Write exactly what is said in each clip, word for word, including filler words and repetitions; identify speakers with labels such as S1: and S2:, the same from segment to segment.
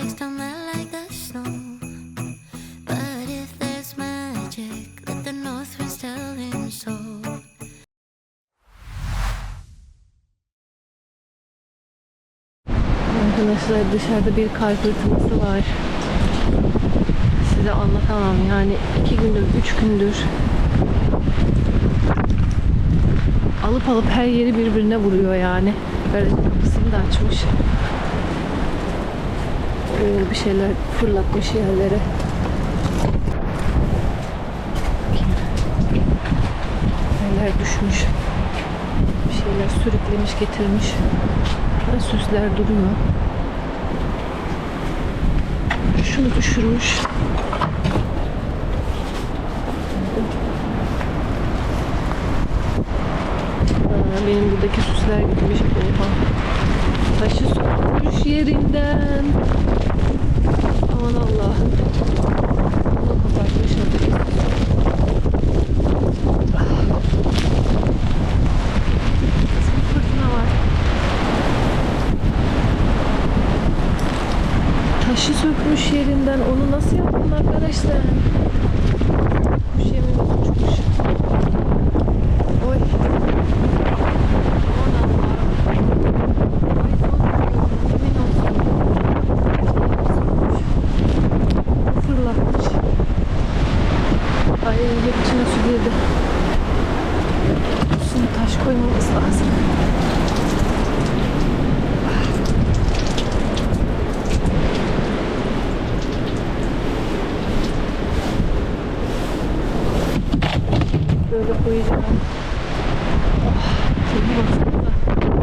S1: flakes don't melt like the snow. But if there's magic, let the north winds tell him so.
S2: Arkadaşlar dışarıda bir kar fırtınası var. Size anlatamam yani iki gündür, üç gündür alıp alıp her yeri birbirine vuruyor yani. Garaj kapısını da açmış. Böyle bir şeyler fırlatmış yerlere. Yerler düşmüş. Bir şeyler sürüklemiş getirmiş. Ve süsler duruyor. Şunu düşürmüş. Aa, benim buradaki süsler gitmiş. Oha. Taşı sökmüş yerinden. Aman Allah'ım. Bunu kapatmış olduk. Fırtına var. Taşı sökmüş yerinden. Onu nasıl yaptın arkadaşlar? Kuş yemimiz uçmuş. Oy. Aman Allah'ım. Ay son yemin olsun. Fırlatmış. Ay hep içine su girdi. Üstüne taş koymamız lazım. Böyle koyacağım. Oh, tabii baksanıza.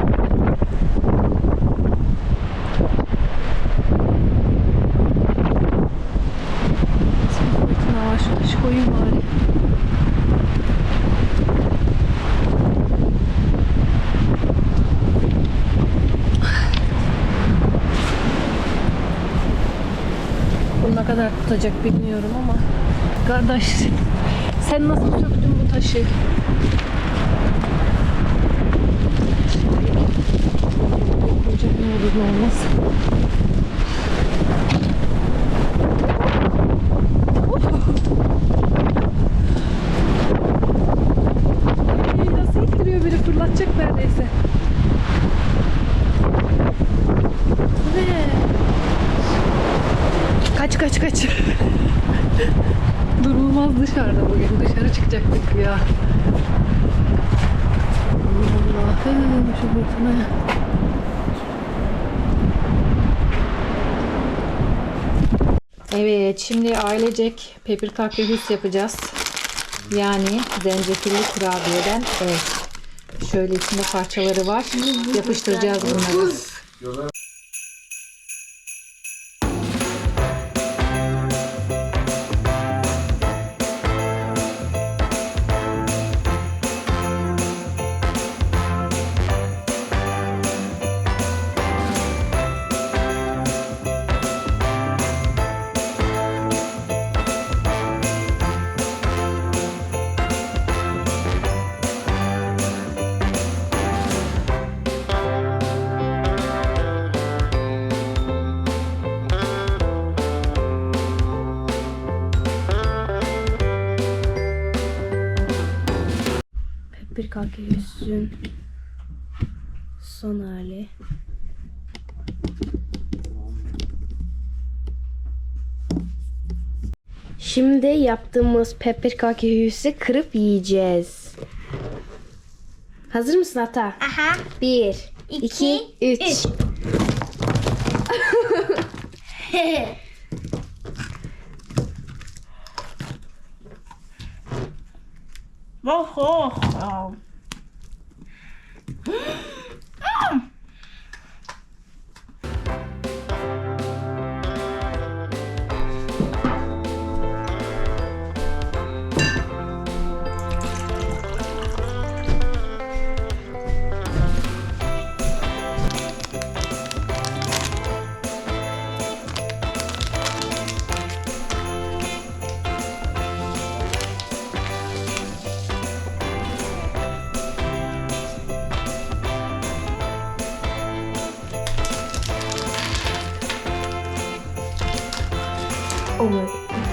S2: Şimdi fırtına var. Şu taşı koyayım bari. Bu ne kadar tutacak bilmiyorum ama kardeş sen nasıl söktün bu taşı? Koyacak ne olur ne olmaz. Ay, nasıl ittiriyor biri fırlatacak neredeyse. Ne? Kaç kaç kaç. Durulmaz dışarıda bugün. Dışarı çıkacaktık ya. Allah'ım şu fırtına. Evet, şimdi ailecek pepper kakehüs yapacağız. Yani zencefilli kurabiyeden. Evet. Şöyle içinde parçaları var. Yapıştıracağız bunları. Bir kakehüsün son hali.
S3: Şimdi yaptığımız pepper kakehüsü kırıp yiyeceğiz. Hazır mısın Ata?
S4: Aha.
S3: Bir,
S4: İki,
S3: iki, üç.
S4: üç. Oh, oh, oh.
S3: Oh my.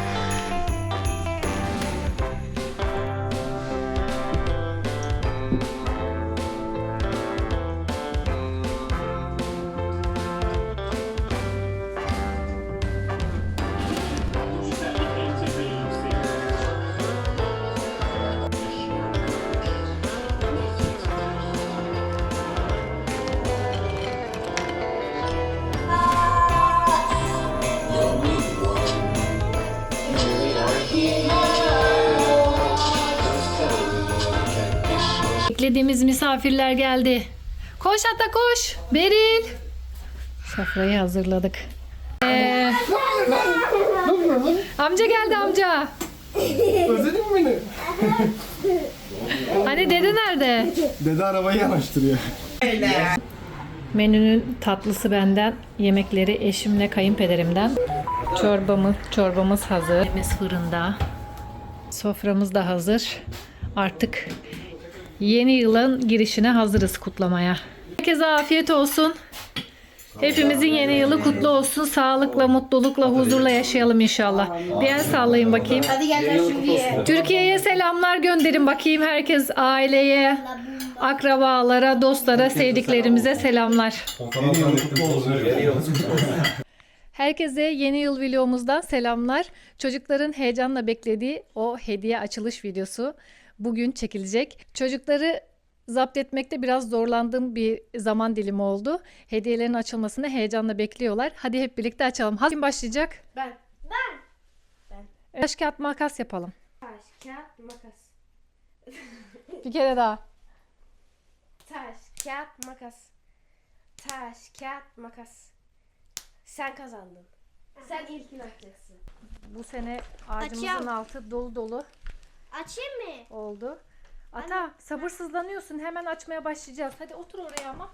S2: Beklediğimiz misafirler geldi. Koş Ata koş. Beril. Sofrayı hazırladık. Ee, amca geldi amca.
S5: Özledin mi beni?
S2: Hani dede nerede?
S5: Dede arabayı yanaştırıyor.
S2: Menünün tatlısı benden, yemekleri eşimle kayınpederimden. Çorbamı, çorbamız hazır. Yemeğimiz fırında. Soframız da hazır. Artık yeni yılın girişine hazırız kutlamaya. Herkese afiyet olsun. Hepimizin yeni yılı kutlu olsun. Sağlıkla, mutlulukla, huzurla yaşayalım inşallah. Bir el sallayın bakayım.
S3: Hadi gel şimdi.
S2: Türkiye'ye selamlar gönderin bakayım. Herkes aileye, akrabalara, dostlara, sevdiklerimize selamlar. Herkese yeni yıl vlogumuzdan selamlar. Çocukların heyecanla beklediği o hediye açılış videosu bugün çekilecek. Çocukları zapt etmekte biraz zorlandığım bir zaman dilimi oldu. Hediyelerin açılmasını heyecanla bekliyorlar. Hadi hep birlikte açalım. Kim başlayacak?
S3: Ben.
S2: Taş kağıt makas yapalım.
S3: Taş, kağıt, makas.
S2: Bir kere daha.
S3: Taş, kağıt, makas. Taş, kağıt, makas. Sen kazandın. Sen ilkini açacaksın.
S2: Bu sene ağacımızın
S1: Açıyorum.
S2: altı dolu dolu
S1: Açayım mı?
S2: oldu. Ata sabırsızlanıyorsun. Hemen açmaya başlayacağız. Hadi otur oraya ama.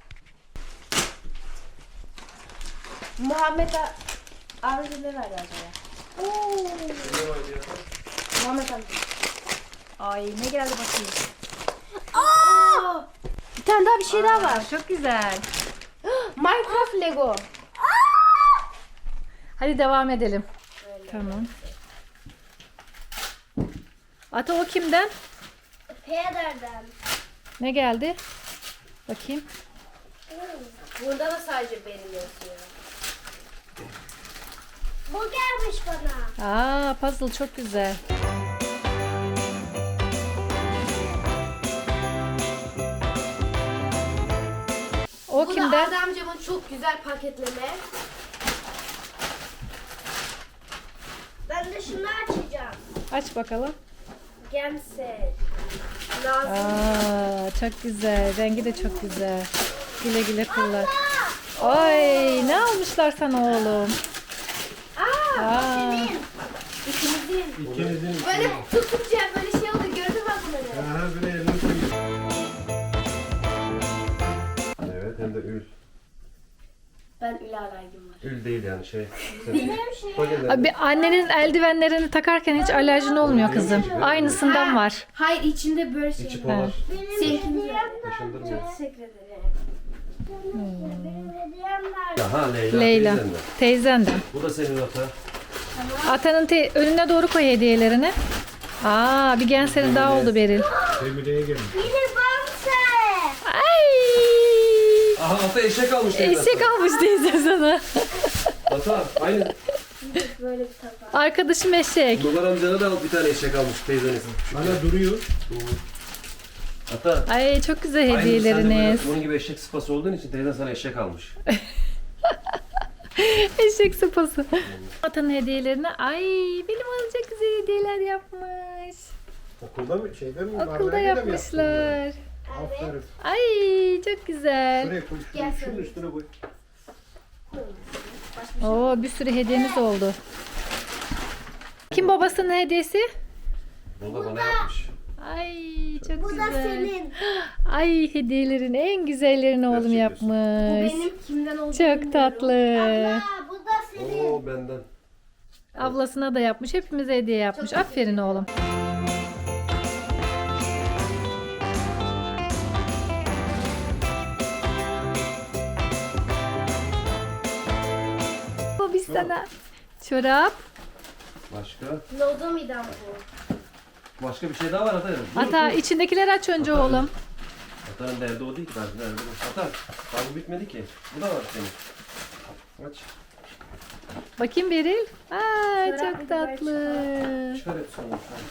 S3: Muhammed abi ne verdi acaba? Oo. Muhammed amca.
S2: Ay ne geldi bakayım.
S3: Aa! Bir tane daha bir şey daha var.
S2: Aa, çok güzel.
S3: Minecraft Lego.
S2: Hadi devam edelim. Tamam. Ata o kimden?
S1: Pederden.
S2: Ne geldi? Bakayım.
S3: Burada da sadece benim yazıyor.
S1: Bu gelmiş bana.
S2: Aa puzzle çok güzel. O
S3: Bu
S2: kimden?
S3: da Arda amcamın çok güzel paketleme.
S1: Ben de şunu açacağım.
S2: Aç bakalım.
S3: Gemse. Lazım.
S2: Aa çok güzel. Rengi de çok güzel. Güle güle kullan. Ay ne almışlar sana oğlum? Aa.
S3: İkimizin.
S5: İkinizin
S3: Böyle tutunca böyle şey oldu. Gördün mü bunları?
S5: her biri elini koyuyor. Evet hem de ül.
S3: Ben Ül alergim var.
S5: Ül değil yani şey.
S2: Abi annenin eldivenlerini takarken hiç alerjin olmuyor kızım. Aynısından var.
S3: Hayır içinde böyle şey
S5: İçi
S3: var.
S5: polar.
S3: Seninkiniz var.
S5: Taşındırmıyor.
S3: Teşekkür ederim.
S1: Benim hediyem nerede?
S5: Aha Leyla.
S2: Leyla.
S5: teyzen de.
S2: Teyzenden.
S5: Bu da senin ata.
S2: Atanın te- önüne doğru koy hediyelerini. Aa bir genserin daha oldu Beril.
S5: Cemile'ye gelin.
S1: Biri bamse.
S2: Ay!
S5: Aha ata eşek almış teyze.
S2: Eşek almış teyze sana.
S5: Ata aynı.
S3: Böyle bir tabak.
S2: Arkadaşım eşek.
S5: Dolar amcana da bir tane eşek almış teyzeniz. Hala duruyor. Ata.
S2: Ay çok güzel
S5: Aynı sen de
S2: hediyeleriniz.
S5: böyle Bunun gibi eşek sıpası olduğun için teyzen sana eşek almış.
S2: Eşek sıpası. Atanın hediyelerini ay benim alacak güzel hediyeler yapmış.
S5: Okulda mı şeyde mi?
S2: Okulda yapmışlar.
S5: Aferin.
S2: Ay çok güzel.
S5: Şuraya koy.
S3: Gel
S5: Şunun
S3: sen.
S5: üstüne koy.
S2: Oo bir sürü hediyemiz oldu. Kim babasının hediyesi?
S5: Bunu da bana yapmış.
S2: Ay çok
S1: Bu da
S2: güzel.
S1: senin.
S2: Ay hediyelerin en güzellerini oğlum
S5: Gerçek
S2: yapmış.
S3: Benim kimden olduğunu
S2: Çok
S3: bilmiyorum.
S2: tatlı.
S1: Aa, bu da senin.
S5: Oo benden.
S2: Ablasına da yapmış. Hepimize hediye yapmış. Aferin oğlum. Bu biz sana çorap.
S5: Başka?
S3: Lodo midem bu.
S5: Başka bir şey daha var Ata. Dur,
S2: Ata
S5: dur.
S2: içindekileri aç önce oğlum.
S5: Ata'nın derdi o değil ki. Derdi derdi bu. Ata. Daha bu bitmedi ki. Bu da var senin. Aç.
S2: Bakayım Beril. Aa
S3: Çorap
S2: çok
S3: bir de
S2: tatlı.
S5: Çıkar hepsini.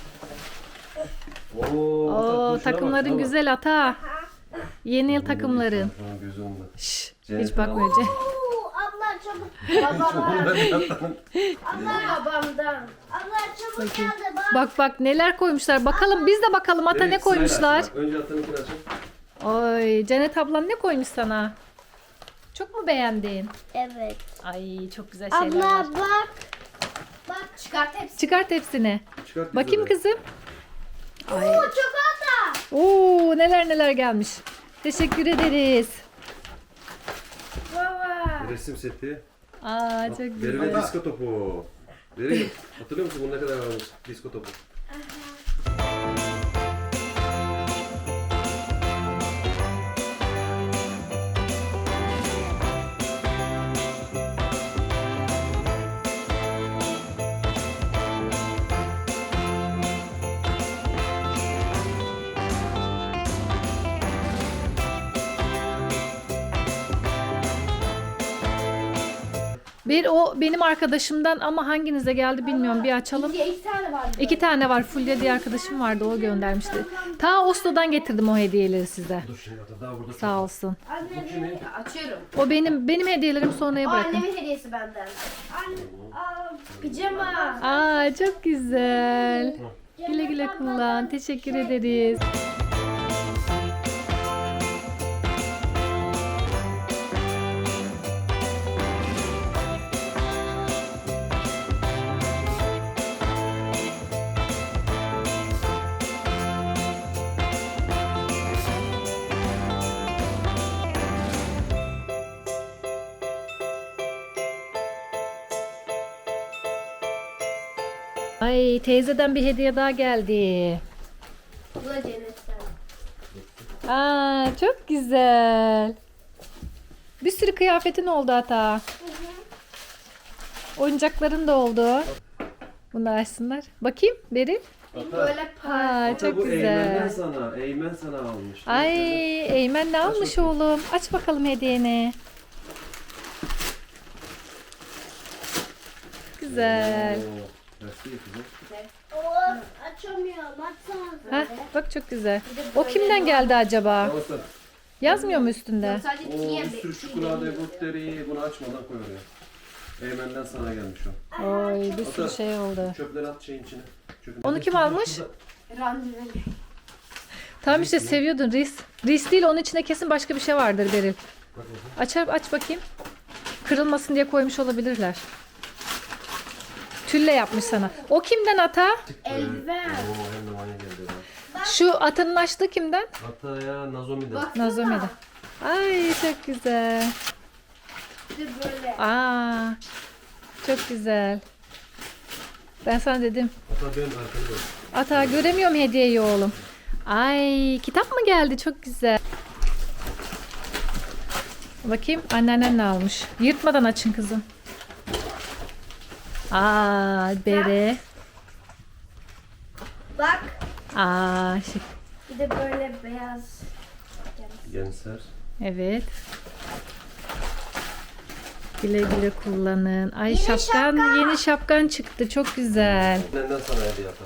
S5: Oo, Ata,
S2: Oo
S5: dur şuna bak,
S2: takımların
S5: şuna bak.
S2: güzel Ata. Yeni yıl takımların.
S5: Şu an gözü onda.
S2: Şşş,
S5: Cennet
S2: hiç bakma
S5: al.
S2: Ece.
S3: Oo, abla çabuk. Babamdan. Abla babamdan. Abla çabuk geldi bak.
S2: Bak bak neler koymuşlar. Bakalım biz de bakalım Ata
S5: Evet,
S2: ne
S5: sırayla
S2: koymuşlar.
S5: aç. Bak, önce Ata'nınkini açın.
S2: Oy Cennet ablan ne koymuş sana? Çok mu beğendin?
S3: Evet.
S2: Ay çok güzel şeyler var.
S3: Abla bak. Bak çıkart hepsini.
S2: Çıkart hepsini.
S5: Çıkart
S2: Bakayım
S5: kızları.
S2: kızım.
S3: Oo çikolata.
S2: Oo neler neler gelmiş. Teşekkür ederiz.
S3: Baba.
S5: Resim seti.
S2: Aa çok güzel.
S5: Verile disko topu. Verile. Hatırlıyor musun bunu ne kadar varmış disko topu?
S2: Bir o benim arkadaşımdan ama hanginize geldi bilmiyorum. Bir açalım.
S3: İki, iki tane var.
S2: İki tane var. Fulya diye arkadaşım vardı. O göndermişti. Ta Oslo'dan getirdim o hediyeleri size.
S5: Dur şimdi Ata daha burada.
S2: Sağ olsun.
S3: Anne açıyorum.
S2: O benim benim hediyelerim sonraya
S3: O
S2: bırakın.
S3: annemin hediyesi benden. Anne, aa, pijama.
S2: Aa çok güzel. Güle güle kullan. Teşekkür ederiz. Ay teyzeden bir hediye daha geldi.
S3: Bu da cennetten.
S2: Aa çok güzel. Bir sürü kıyafetin oldu hatta. Oyuncakların da oldu. Bunu da açsınlar. Bakayım Beril.
S5: Ata.
S3: Böyle par.
S2: Aa
S5: Ata
S2: çok
S5: bu Eymen'den
S2: güzel.
S5: sana. Eymen sana almış.
S2: Ay Eymen ne almış
S5: bakayım.
S2: oğlum? Aç bakalım hediyeni. Güzel.
S5: Oo, Nasıl kızım?
S3: Of açamıyorum. Açsana.
S2: Heh, bak çok güzel. O kimden geldi acaba?
S5: Ata.
S2: Yazmıyor mu üstünde?
S3: Sadece
S5: Oo,
S3: ikiye
S5: bir sürü çikolata, gutleri bunu açmadan koy oraya. Eymen'den sana gelmiş o.
S2: Oy bir sürü şey oldu.
S5: Çöpleri at şeyin içine. Çöpün
S2: Onu
S5: içine.
S2: kim almış?
S3: randevu.
S2: Tam işte seviyordun Ris. Ris değil onun içinde kesin başka bir şey vardır Beril.
S5: Bak bakayım.
S2: Açar aç bakayım. Kırılmasın diye koymuş olabilirler. Tülle yapmış sana. O kimden ata?
S3: Eldiven.
S5: Oo hem de bana geldi. ya.
S2: Şu atanın açtığı kimden?
S5: Hatta ya Nazomi'den.
S3: Bak.
S2: Nazomi'den. Ay çok güzel.
S3: Bir de böyle.
S2: Aa çok güzel. Ben sana dedim.
S5: Hatta ben arkada bak.
S2: Ata göremiyorum hediyeyi oğlum. Ay kitap mı geldi? Çok güzel. Bakayım anneannen ne almış. Yırtmadan açın kızım. Aa bere.
S3: Bak.
S2: Aa şık.
S3: Bir de böyle beyaz.
S5: Gençler.
S2: Evet. Güle güle kullanın. Ay
S3: Yeni
S2: şapkan,
S3: şapka.
S2: yeni şapkan çıktı. Çok güzel.
S5: Benden sana hediye yapar.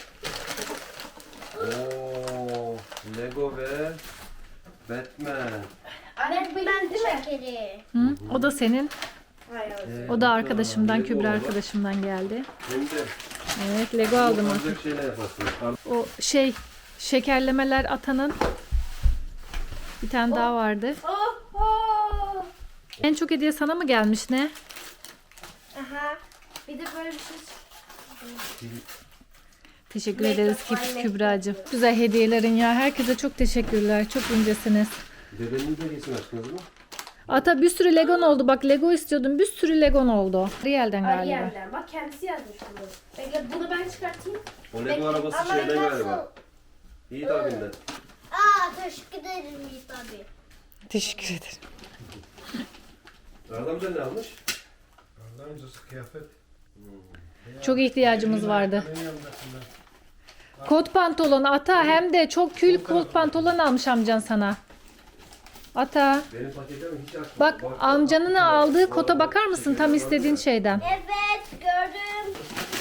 S5: Oo, Lego ve Batman.
S3: Anne bu ben değil mi?
S2: Hı? O da senin.
S3: Hayır.
S5: Ee,
S2: O da arkadaşımdan,
S5: Lego
S2: Kübra
S5: var.
S2: arkadaşımdan geldi.
S5: Hem de
S2: Evet, Lego aldım.
S5: bu alacak şeyler yaparsın.
S2: O şey şekerlemeler atanın bir tane daha vardı.
S3: Oh, oh.
S2: En çok hediye sana mı gelmiş ne?
S3: Aha. Bir de böyle bir şey.
S2: Teşekkür
S3: Make-up,
S2: ederiz
S3: ay,
S2: Kü-
S3: make-up.
S2: Kübra'cığım. Güzel hediyelerin ya. Herkese çok teşekkürler. Çok incesiniz.
S5: Dedenin de resim açtınız mı?
S2: Ata bir sürü Legon oldu. Bak Lego istiyordum. Bir sürü Legon oldu. Ariel'den galiba.
S3: Ariel'den. Bak kendisi yazmış bunu. Bekle bunu ben çıkartayım.
S5: O Lego arabası
S3: Ama
S5: şeyden
S3: nasıl?
S5: galiba. Yiğit abinden.
S3: Aa teşekkür ederim Yiğit abi.
S2: Teşekkür ederim.
S5: Adam da ne almış?
S6: Ondan öncesi kıyafet.
S2: Çok ihtiyacımız vardı. Kot pantolon Ata, hem de çok kül kot pantolon almış amcan sana. Ata,
S5: Benim paketimi hiç açmadım.
S2: bak amcanın aldığı kota bakar mısın, tam istediğin şeyden.
S3: Evet gördüm.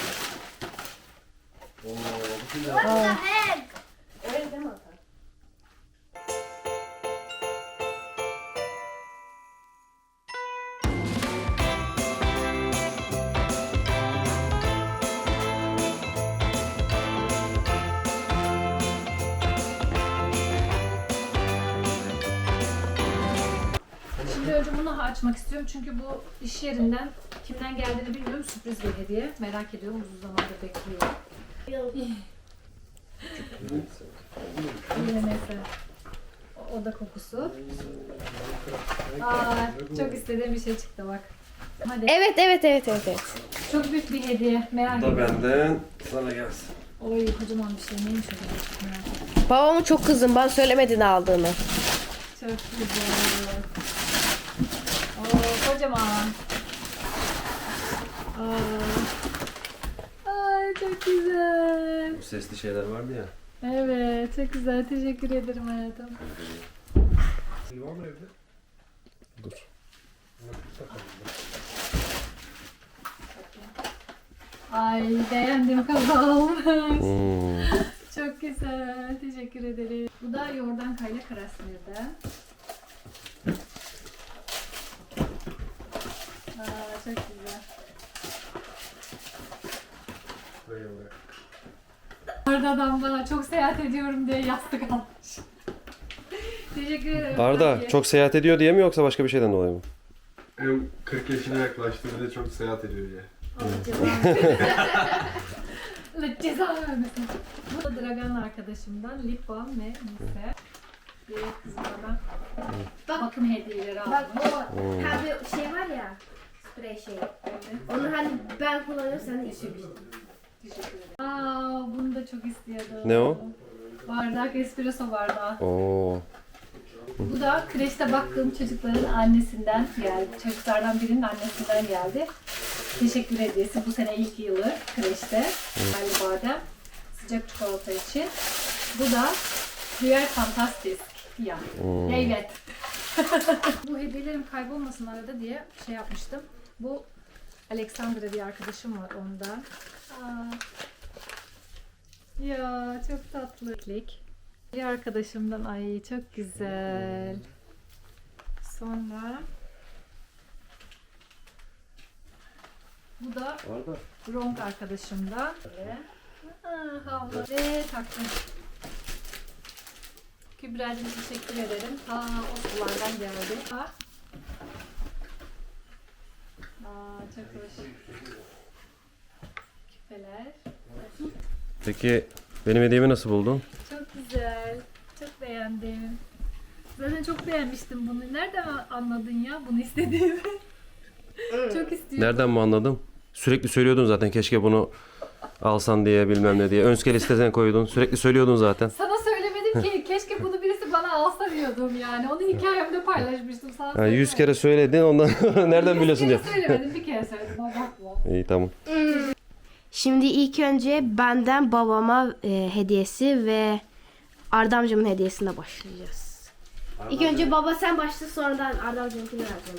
S5: Oo, bu kim ya?
S3: What the heck?
S2: Şimdi önce bunu açmak istiyorum çünkü bu iş yerinden kimden geldiğini bilmiyorum, sürpriz bir hediye. Merak ediyorum, uzun zamandır bekliyorum. Yine mesela o, o da kokusu. Aa, çok istediğim bir şey çıktı bak. Hadi.
S6: Evet evet evet evet. evet.
S2: Çok büyük bir hediye. Merak
S5: Bu da
S2: ediyorum.
S5: benden sana gelsin.
S2: Oy kocaman bir şey. Neymiş acaba? Merak ettim.
S6: Babamı çok kızdım. Bana söylemedi ne aldığını.
S2: Çok güzel. Oo kocaman. Aa. Ay çok güzel.
S5: Bu sesli şeyler vardı ya.
S2: Evet çok güzel. Teşekkür ederim hayatım.
S5: Dur.
S2: Ay beğendim kazalım.
S5: Hmm.
S2: Çok güzel. Teşekkür ederim. Bu da yoğurdan kayla Krasnir'den. Aa, çok güzel. Arda adam bana çok seyahat ediyorum diye yastık almış. Teşekkür ederim.
S5: Arda
S2: Peki.
S5: çok seyahat ediyor diye mi yoksa başka bir şeyden dolayı mı?
S7: Hem kırk yaşına yaklaştı bir de çok seyahat ediyor diye.
S2: Allah cezanı. Allah cezanı vermesin. Bu da Dragan arkadaşımdan lip balm ve mise. Bir kız bana bakım hediyeleri almış.
S3: Bak o ha bir şey var ya. Sprey şey. Onu hani ben kullanıyorum sen de içiyorsun.
S2: Teşekkür ederim. Aa, bunu da çok istiyordum.
S5: Ne o?
S2: Bardak, espresso bardağı.
S5: Oo.
S2: Bu da kreşte baktığım çocukların annesinden geldi. Çocuklardan birinin annesinden geldi. Teşekkür hediyesi. Bu sene ilk yılı kreşte. Hayli badem. Sıcak çikolata için. Bu da Diğer Fantastisk. Ya. Evet. Bu hediyelerim kaybolmasın arada diye şey yapmıştım. Bu Alexandra bir arkadaşım var ondan. Aa. Ya çok tatlı. Bir arkadaşımdan, ay çok güzel. Sonra bu da
S5: Arda.
S2: Bronk arkadaşımdan. Böyle. Aa, havlu ve taktım. Kübra'cığım teşekkür ederim. Aa, o sulardan geldi. Ha. Aa, çok hoş. Küpeler.
S5: Peki benim hediyemi nasıl buldun?
S2: Çok güzel. Çok beğendim. Zaten çok beğenmiştim bunu. Nereden anladın ya bunu istediğimi? Çok istiyorum.
S5: Nereden mi anladım? Sürekli söylüyordun zaten keşke bunu alsan diye bilmem ne diye. Önske listesine koydun. Sürekli söylüyordun zaten.
S2: Sana söylemedim ki. Keşke bunu birisi bana alsa diyordum yani. Onu hikayemde paylaşmıştım. Sana
S5: Yani
S2: söylemedim.
S5: yüz kere söyledin ondan nereden biliyorsun diye.
S2: Bir kere söylemedim. Bir kere söyledim. Ama bakma.
S5: İyi tamam.
S6: Şimdi ilk önce benden babama e, hediyesi ve Arda amcamın hediyesine başlayacağız.
S3: İlk önce baba sen başla sonradan Arda amcamınkini vereceğim.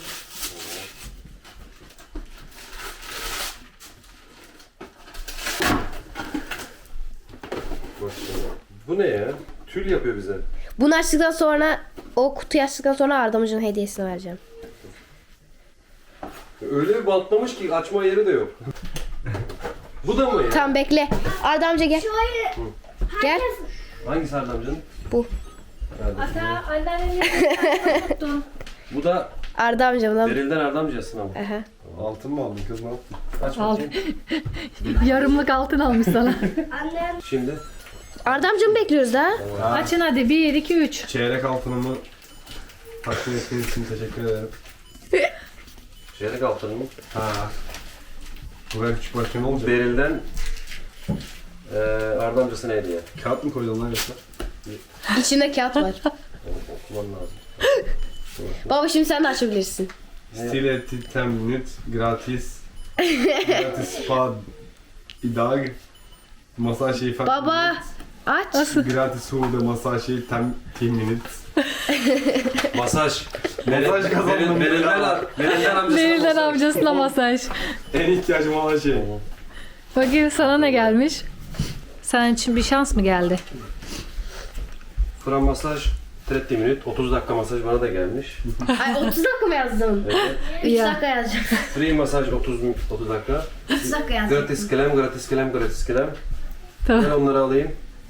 S5: Bu ne ya? Tül yapıyor bize.
S6: Bunu açtıktan sonra o kutuyu açtıktan sonra Arda amcamın hediyesini vereceğim.
S5: Öyle bir bantlamış ki açma yeri de yok. Bu da mı ya?
S6: Tamam bekle. Arda amca gel.
S3: Şöyle
S6: Gel.
S5: Hangisi Arda amcanın?
S6: Bu.
S2: Ata anneannenin yanına tuttun.
S5: Bu da
S6: Arda amcamdan.
S5: Beril'den Arda amcasına mı?
S6: Aha.
S7: Altın mı aldın kız ne yaptın?
S5: Aç
S2: Al.
S5: bakayım.
S2: Yarımlık altın almış sana.
S3: annem
S5: Şimdi.
S6: Arda amcamı bekliyoruz da.
S2: Açın hadi. bir, iki, üç.
S7: Çeyrek altınımı takdim ettiğiniz için teşekkür ederim.
S5: Çeyrek altın mı?
S7: Ha. Bu ben küçük başkan olacak.
S5: Beril'den eee Arda amcasına hediye.
S7: Kağıt mı koydun lan yoksa?
S6: İçinde kağıt var.
S5: Okuman lazım.
S6: Baba şimdi sen de açabilirsin.
S7: Stile titem minut gratis Gratis spa idag. Masaj şeyi falan.
S6: Baba aç.
S7: Gratis hude masaj şeyi tem ten minutes.
S5: Masaj.
S7: Masaj kazandım.
S5: Verilden verilden amcasına
S2: Verilden
S5: masaj.
S2: amcasına masaj.
S7: En ihtiyacım olan şey.
S2: Bakayım sana ne gelmiş? Senin için bir şans mı geldi?
S5: Fıra masaj otuz minut. otuz dakika masaj bana da gelmiş.
S6: Ay otuz dakika mı yazdın?
S5: Evet.
S6: üç
S2: Ya.
S6: dakika yazacağım.
S5: Free masaj otuz otuz dakika.
S6: üç dakika yazacağım.
S5: Gratis krem, gratis krem, gratis krem.
S2: Tamam.
S5: Ben onları alayım.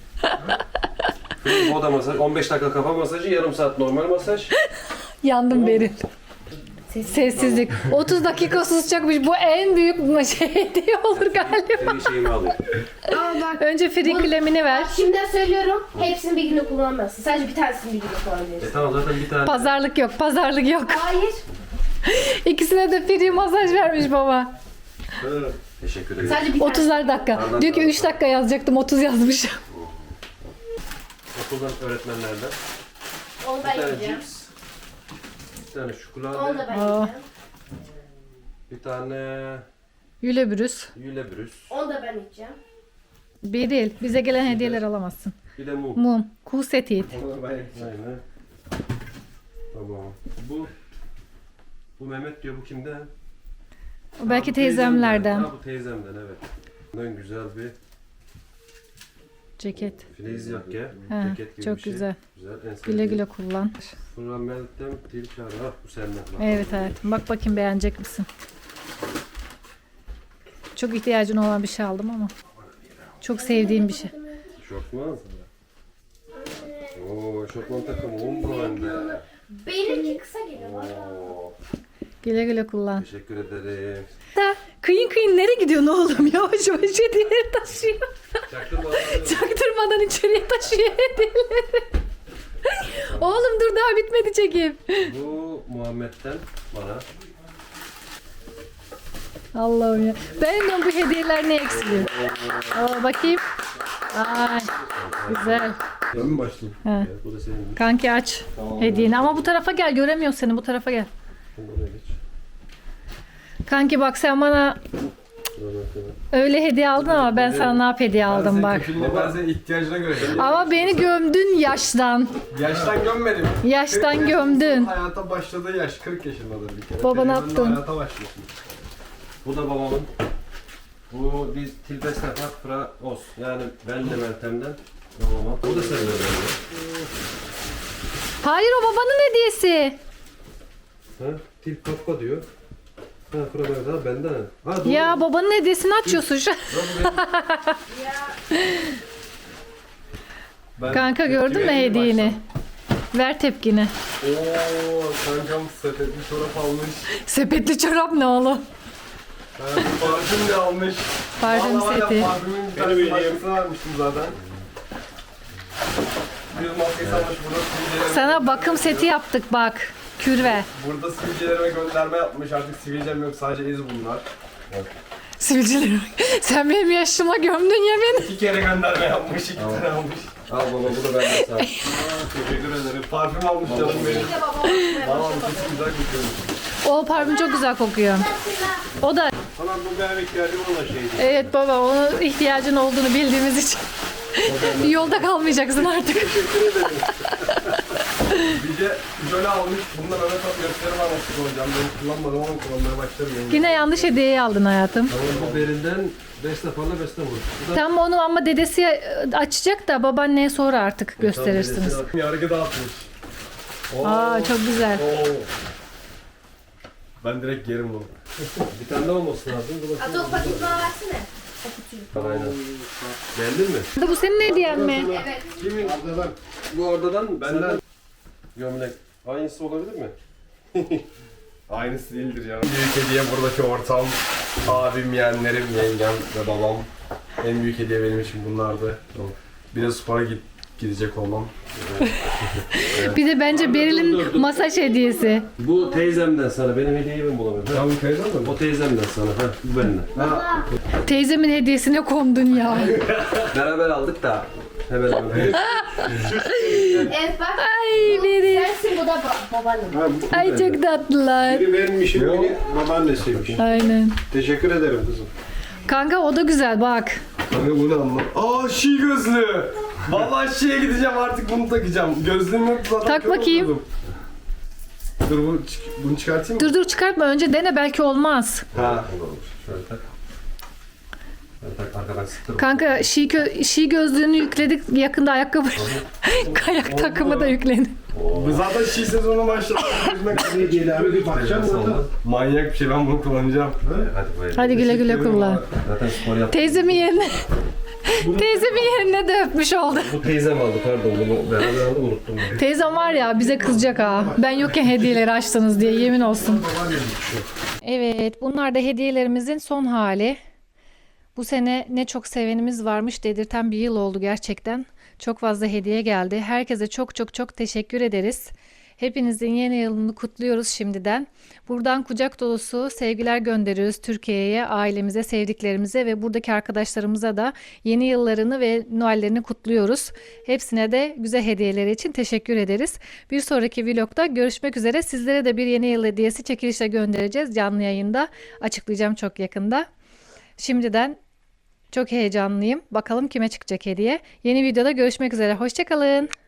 S5: Free boda masaj, on beş dakika kafa masajı, yarım saat normal masaj.
S2: Yandım Beril. Sessizlik. otuz dakika susacakmış. Bu en büyük şey hediye olur galiba.
S5: Free şeyimi alayım.
S6: Ama bak
S2: Önce free kremini ver.
S6: şimdiden söylüyorum. Hepsini bir günde kullanmazsın. Sadece bir tanesini bir günde kullanabilirsin.
S5: E tamam zaten bir tane.
S2: Pazarlık yok, pazarlık yok.
S6: Hayır.
S2: İkisine de free masaj vermiş baba.
S5: Teşekkür ederim.
S6: Sadece bir tane.
S2: otuzar dakika. Diyor ki üç dakika yazacaktım, otuz yazmış.
S5: Okuldan öğretmenlerden.
S6: Onu
S5: Bir
S6: ben
S5: tane
S6: yiyeceğim.
S5: cips. Bir tane
S6: Onu
S5: şokolade.
S6: da ben
S2: Aa.
S6: yiyeceğim.
S5: Bir tane
S2: Yülebrüs.
S5: yülebrüs.
S6: Onu da ben yiyeceğim.
S2: Beril, bize gelen hediyeler alamazsın.
S5: Bir de mum.
S2: Mum, kuğu seti.
S7: Onu ben
S5: Aynen. Tamam. Bu bu Mehmet diyor, bu kimden?
S2: O belki
S5: Ha, bu
S2: teyzemlerden.
S5: Ha, bu teyzemden, evet. Bundan güzel bir
S2: Ceket.
S5: filiz yakke.
S2: Ha,
S5: Ceket gibi
S2: çok
S5: bir şey.
S2: güzel.
S5: Güzel. En
S2: Güle
S5: sevdiğim.
S2: güle kullan.
S5: Sonra Meltem Tilkar. Ha, bu senden. Bak.
S2: Evet hayatım. Bak bakayım beğenecek misin? Çok ihtiyacın olan bir şey aldım ama. Çok sevdiğim bir şey.
S5: Şortman. Oo, şortman takımı Umbro hem de.
S6: Benimki kısa geliyor.
S5: Oo,
S2: Güle güle kullan.
S5: teşekkür ederim.
S2: Da kıyın kıyın nereye gidiyorsun oğlum? Yavaş yavaş hediyeleri taşıyor.
S5: Çaktırma.
S2: Çaktırmadan içeriye taşıyor hediyeleri. Oğlum dur daha bitmedi çekim.
S5: Bu Muhammed'den bana.
S2: Allah'ım ya. Ben de bu hediyeler ne eksiliyor? Aa, bakayım. Ay güzel.
S7: Ben mi başlayayım?
S2: Ha.
S5: Evet, bu da senin.
S2: Kanki aç
S7: Tamam.
S2: hediyeni. Ama bu tarafa gel, göremiyorum seni, bu tarafa gel.
S5: Şimdi oraya geç.
S2: Kanki bak sen bana
S5: Dur bakalım.
S2: öyle hediye aldın ama ben sana ne yap hediye aldım bak.
S7: Şimdi ben senin ihtiyacına göre.
S2: Ama beni gömdün yaştan.
S7: Yaştan gömmedim.
S2: Yaştan
S7: kırk
S2: gömdün.
S7: yaşında Hayata başladığı yaş kırk yaşındadır bir kere.
S2: Baba, ne
S7: Televizyonda
S2: yaptın?
S7: Hayata başlıyorsun.
S5: Bu da babamın. Bu biz Tilbes Nefak Fra Os. Yani ben de Meltem'den babama. Bu da senin ödevin.
S2: Hayır, o babanın hediyesi.
S5: Ha? Til Kappa diyor. Ha, Fra Mevda benden. Ha, doğru.
S2: Ya babanın hediyesini açıyorsun şu an.
S7: Ben
S2: Kanka gördün mü
S7: tepki vereyim
S2: hediyeni? Ver tepkini.
S7: baştan. Oo, kankam sepetli çorap almış.
S2: Sepetli çorap ne oğlum?
S7: Ha, parfüm de almış.
S2: Parfüm
S7: Vallahi var
S2: seti.
S7: ya, parfümün bir tane başkasını vermiştim zaten. Bir maskesi almış burada sivilcelerime.
S2: Sana bakım seti yaptık bak. Kürve.
S7: Burada sivilcelerime gönderme yapmış. Artık sivilcem yok, sadece iz bunlar.
S2: Sivilcilerim. Sen benim yaşıma gömdün ya beni.
S7: İki kere gönderme yapmış, iki tane almış.
S5: Al baba, bu da benden sağ ol.
S7: Aa, teşekkür ederim. Parfüm almış canım benim. Valla çok güzel kokuyor.
S2: O parfüm çok güzel kokuyor. O da
S5: Tamam, bu benim ihtiyacım olan şeydi.
S2: evet baba, onun ihtiyacın olduğunu bildiğimiz için yolda kalmayacaksın artık.
S7: Bir de jöle almış. Bundan Mehmet abi gösterim almıştık hocam. Ben kullanmadım ama kullanmaya başladım.
S2: Yine yanlış hediyeyi aldın hayatım.
S5: Tamam, bu berinden beş defalarla beş vur. Bu da
S2: Tam onu ama dedesi açacak da babaanneye sonra artık gösterirsiniz.
S7: Yargı dağıtmış. Oo.
S2: Aa çok güzel.
S7: Oo. Ben direkt yerim bunu.
S5: bir tane daha olması lazım. Dur bakayım.
S6: Hatta o paketi bana versene.
S5: Aynen. Beğendin mi?
S2: Bu senin hediyen mi?
S6: Evet.
S5: Kimin? Arda'dan. Bu Arda'dan benden. Gömlek. Aynısı olabilir mi?
S7: Aynısı değildir ya. Büyük hediye buradaki ortam. Abim, yeğenlerim, yengem ve babam. En büyük hediye benim için bunlardı. Bir de spora git gidecek olmam.
S2: Bir de bence Beril'in masaj hediyesi.
S5: Bu teyzemden sana. Benim hediyeyi ben bulamıyorum.
S7: Ya bu teyzem mi?
S5: O teyzemden sana. Ha, bu benden.
S2: Teyzemin hediyesine kondun ya.
S5: Beraber aldık da. Hemen hemen.
S6: Evet bak.
S2: Ay biri.
S6: Sensin bu da ba- babanın.
S2: Ay çok tatlılar.
S5: Biri benim işim, biri babaannesiymiş.
S2: Aynen.
S5: Teşekkür ederim kızım.
S2: Kanka o da güzel bak.
S7: Kanka bu ne anlam? Aa şi gözlü. Vallahi şiye gideceğim artık bunu takacağım. Gözlüğüm yok zaten.
S2: Tak
S7: kör
S2: bakayım.
S7: oldum. Dur bu, çık- bunu çıkartayım mı?
S2: Dur dur çıkartma önce dene belki olmaz.
S7: Ha.
S5: Şöyle tak. Şöyle tak arkadan sıktır.
S2: Kanka şi, kö- şi gözlüğünü yükledik yakında ayakkabı. Kayak takımı da yüklendi.
S7: Bu zaten şi sezonu başladı.
S5: Hediyelerime bir bakacağım orada.
S7: Manyak bir şey, ben bunu kullanacağım.
S5: Hadi böyle.
S2: Hadi güle güle kullan.
S5: Zaten spor yaptım.
S2: Teyzemin yerine teyzemin yerine de öpmüş oldu.
S5: Bu teyzem aldı pardon bunu beraber aldım unuttum. bunu.
S2: Teyzem var ya bize kızacak ha. Ben yokken hediyeleri açtınız diye yemin olsun. Evet bunlar da hediyelerimizin son hali. Bu sene ne çok sevenimiz varmış dedirten bir yıl oldu gerçekten. Çok fazla hediye geldi. Herkese çok çok çok teşekkür ederiz. Hepinizin yeni yılını kutluyoruz şimdiden. Buradan kucak dolusu sevgiler gönderiyoruz Türkiye'ye, ailemize, sevdiklerimize ve buradaki arkadaşlarımıza da yeni yıllarını ve Noel'lerini kutluyoruz. Hepsine de güzel hediyeleri için teşekkür ederiz. Bir sonraki vlogda görüşmek üzere. Sizlere de bir yeni yıl hediyesi çekilişle göndereceğiz. Canlı yayında açıklayacağım çok yakında. Şimdiden çok heyecanlıyım. Bakalım kime çıkacak hediye. Yeni videoda görüşmek üzere. Hoşça kalın.